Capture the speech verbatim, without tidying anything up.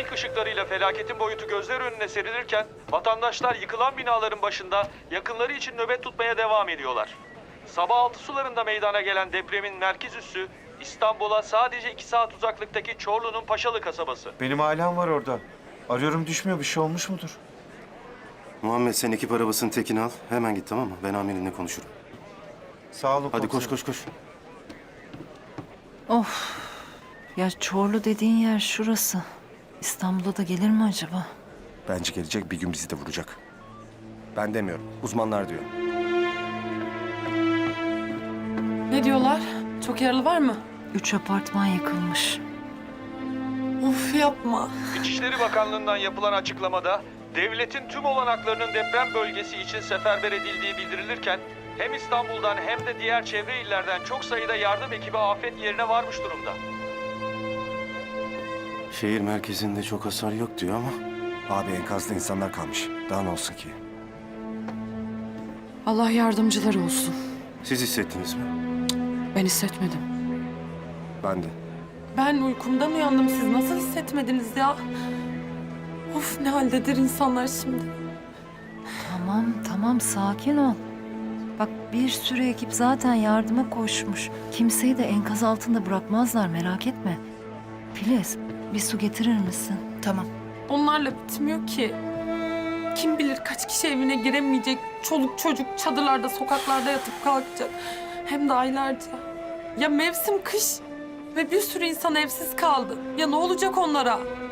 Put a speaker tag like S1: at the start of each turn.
S1: trafik ışıklarıyla felaketin boyutu gözler önüne serilirken vatandaşlar yıkılan binaların başında yakınları için nöbet tutmaya devam ediyorlar. Sabah altı sularında meydana gelen depremin merkez üssü İstanbul'a sadece iki saat uzaklıktaki Çorlu'nun Paşalı kasabası.
S2: Benim ailem var orada. Arıyorum düşmüyor. Bir şey olmuş mudur?
S3: Muhammed sen ekip arabasının tekini al. Hemen git tamam mı? Ben amirinle konuşurum.
S2: Sağ olun
S3: Hadi koş
S2: komiserim.
S3: koş koş.
S4: Of. Ya Çorlu dediğin yer şurası. İstanbul'a da gelir mi acaba?
S5: Bence gelecek, bir gün bizi de vuracak. Ben demiyorum, uzmanlar diyor.
S6: Ne diyorlar? Çok yaralı var mı?
S4: Üç apartman yıkılmış.
S6: Of yapma.
S1: İçişleri Bakanlığı'ndan yapılan açıklamada devletin tüm olanaklarının deprem bölgesi için seferber edildiği bildirilirken hem İstanbul'dan hem de diğer çevre illerden çok sayıda yardım ekibi afet yerine varmış durumda.
S3: Şehir merkezinde çok hasar yok diyor ama
S5: Abi enkazda insanlar kalmış. Daha ne olsun ki?
S6: Allah yardımcıları olsun.
S3: siz hissettiniz mi?
S6: Ben hissetmedim.
S5: Ben de.
S6: Ben uykumdan uyandım. Siz nasıl hissetmediniz ya? Of ne haldedir insanlar şimdi.
S4: Tamam tamam sakin ol. Bak bir sürü ekip zaten yardıma koşmuş. Kimseyi de enkaz altında bırakmazlar merak etme. Filiz bir su getirir misin? Tamam.
S6: Onlarla bitmiyor ki. Kim bilir kaç kişi evine giremeyecek. Çoluk çocuk çadırlarda, sokaklarda yatıp kalkacak. Hem de aylarca. Ya mevsim kış ve bir sürü insan evsiz kaldı. Ya ne olacak onlara?